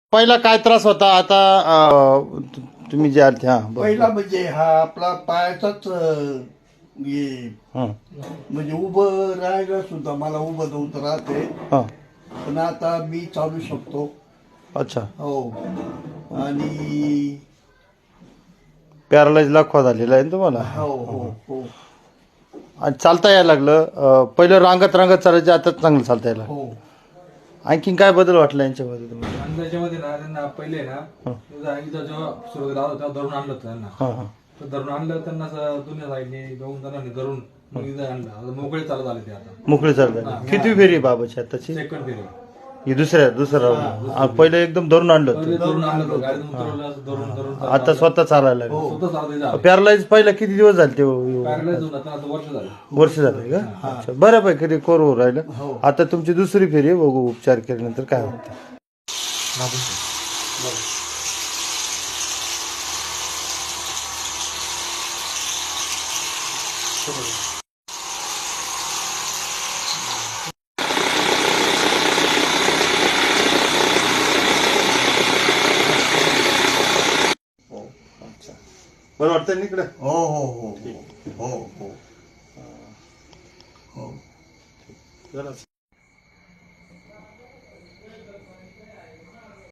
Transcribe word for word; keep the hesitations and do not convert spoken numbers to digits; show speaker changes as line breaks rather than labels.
पहिला काय त्रास होता आता अं, तु- तुम्ही जे आले हा बरं.
पहिला म्हणजे हा आपला पायाचाच अं, हे
हं,
म्हणजे उभं राहायला सुद्धा मला उभं नव्हतं राहते,
हं.
पण आता मी चालू शकतो.
अच्छा.
हो. आणि
पॅरालाइज लाखवा झालेला आहे ना तुम्हाला.
हो हो हो
आणि चालता यायला लागलं. अं, पहिलं रांगत रांगत चालायचं, आता चांगलं चालता यायला.
हो
आणखीन काय बदल वाटला यांच्यामध्ये तुम्हाला?
आणि त्याच्यामध्ये ना त्यांना पहिले ना
हं.
इथं जेव्हा सुरुवातीला आलो तेव्हा धरून आणलं होतं त्यांना.
हां हां
तर धरून आणलं त्यांना असं दुनिया साईडने दोन जणांनी धरून मग इथं आणलं. आता मोकळे चालत आले ते आता
मोकळे चालता. किती फेरी आहे बाबाची आताची?
सेकंड फेरी
ही दुसऱ्या दुसरा राऊंड. हा, पहिलं एकदम धरून आणलं
पहिले
होतं.
धरून आणलं होतं गाडीतून उतरवलं असं धरून धरून चालत
आता
आलं.
स्वतः चालायला लागलं.
स्वतः चालत झालं.
पॅरालाइज पहिला किती दिवस झाले ते हो?
पॅरलाइज होऊन आता आता वर्ष झालं.
वर्ष झाले का? अच्छा, बऱ्यापैकी रिकवर होऊ राहिलं. आता तुमची दुसरी फेरी आहे, बघू उपचार केल्यानंतर काय होतं. बरं वाटतं ना इकडे?
हो हो हो हो हो हो
जरा